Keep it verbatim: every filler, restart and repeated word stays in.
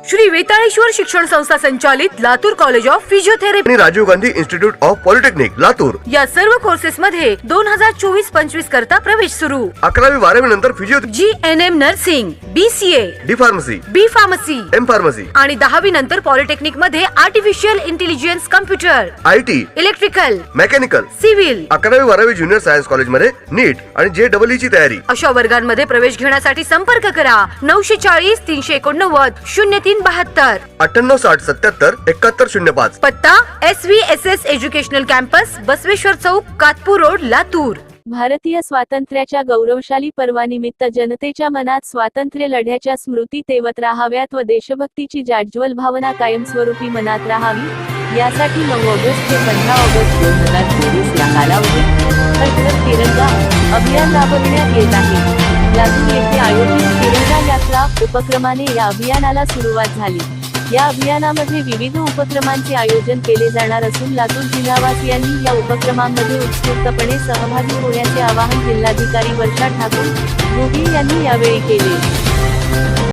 श्री वेताळेश्वर शिक्षण संस्था संचालित लातूर कॉलेज ऑफ फिजिओथेरपी आणि Rajiv Gandhi institute of polytechnic Latur या सर्व कोर्सेस मध्ये दोन हजार चोवीस पंचवीस करता प्रवेश सुरू। अकरावी बारावी नंतर physio G N M nursing, B C A, D pharmacy, B pharmacy, M pharmacy आणि दहावी नंतर पॉलिटेक्निक मध्ये artificial intelligence, computer, I T, electrical, mechanical, civil अकरावी बारावी ज्युनियर सायन्स कॉलेज मध्ये नीट आणि जे डबल ई ची तयारी। अशा वर्गांमध्ये प्रवेश घेण्यासाठी संपर्क करा नऊशे चाळीस तीनशे एकोणनव्वद शून्य तीन बहात्तर अठ्ठ्याण्णव साठ सत्याहत्तर एकाहत्तर शून्य पाच। पत्ता S V S S educational campus, Basaveshwar चौक, कातपूर रोड, लातूर। भारतीय स्वातंत्र्याच्या गौरवशाली पर्वानिमित्त जनतेच्या मनात स्वातंत्र्य लढ्याच्या स्मृती तेवत राहाव्यात व देशभक्तीची जाज्वल भावना कायमस्वरूपी मनात राहावी यासाठी नऊ ऑगस्ट ते पंधरा ऑगस्ट दोन हजार चोवीस या कालावधीत हर घर तिरंगा अभियान राबविण्यात येत आहे। लातूर येथे आयोजित तिरंगा यात्रा उपक्रमाने या अभियानाला सुरुवात झाली। या अभियानामध्ये विविध उपक्रमांचे आयोजन केले जाणार असून लातूर जिल्हावासियांनी या उपक्रमांमध्ये उत्स्फूर्तपणे सहभागी होण्याचे आवाहन जिल्हाधिकारी वर्षा ठाकूर यांनी यावेळी केले।